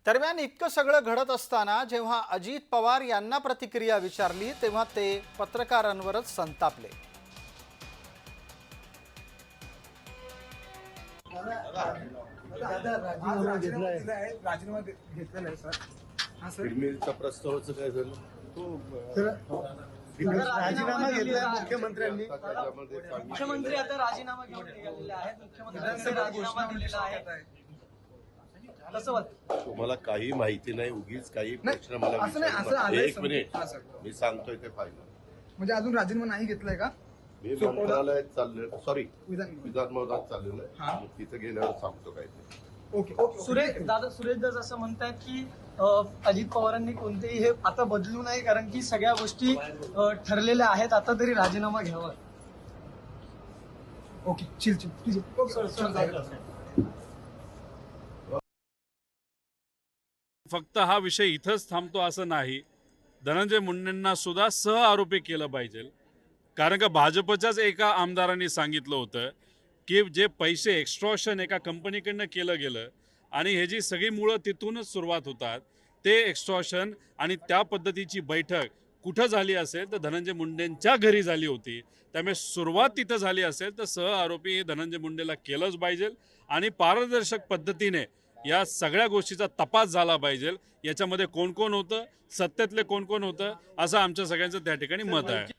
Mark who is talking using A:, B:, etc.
A: दरम्यान इतकं सगळं घडत असताना जेव्हा अजित पवार यांना प्रतिक्रिया विचारली तेव्हा ते पत्रकारांवरच संतापले।
B: राजीनामा घेतलेला आहे सर। हां सर,
C: फिल्मीचा प्रस्तावाचं काय झालं?
B: राजीनामा घेतलाय मुख्यमंत्र्यांनी।
D: मुख्यमंत्री आता राजीनामा घेऊन निघालेले आहेत। मुख्यमंत्र्यांनी राजीनामा दिलेला आहे। कसं वाटतं?
C: तुम्हाला काही माहिती नाही, उगीच काही प्रश्न मला
B: असं नाही, असं
C: विचारू नका.
B: आलंय
C: एक मिनिट,
B: हां सर।
C: मी सांगतोय ते फायनल।
B: म्हणजे अजून राजीनामा नाही घेतलाय का?
C: मी मंत्रालयात चाललोय, सॉरी
B: विधान
C: विधानभवनात चाललेलो
B: हां.
C: आहे। तिथे गेल्यावर सांगतो काय ते।
B: ओके ओके
D: सुरेश दास असं म्हणतायत की अजित पवारांनी कोणतेही हे आता बदलू नाही, कारण की सगळ्या गोष्टी ठरलेल्या आहेत, आता तरी राजीनामा घ्यावा।
B: ओके चिल चिल ठीक आहे। ओके
E: फक्त हा विषय इथंच थांबतो असं नाही, धनंजय मुंडेंना सुद्धा सह आरोपी केलं पाहिजे। कारण का भाजपच्याच एका आमदारांनी सांगितलं होतं की जे पैसे एक्स्ट्रॉशन एका कंपनीकडनं केलं गेलं आणि हे जी सगळी मुळं तिथूनच सुरुवात होतात, ते एक्स्ट्रॉशन आणि त्या पद्धतीची बैठक कुठं झाली असेल तर धनंजय मुंडेंच्या घरी झाली होती। त्यामुळे सुरुवात तिथं झाली असेल तर सह आरोपी हे धनंजय मुंडेला केलंच पाहिजे आणि पारदर्शक पद्धतीने या सगळ्या गोष्टीचा तपास झाला पाहिजे। याच्यामध्ये कोण कोण होतं, सत्तेतले कोण कोण होतं, असं आमच्या सगळ्यांचं त्या ठिकाणी मत आहे।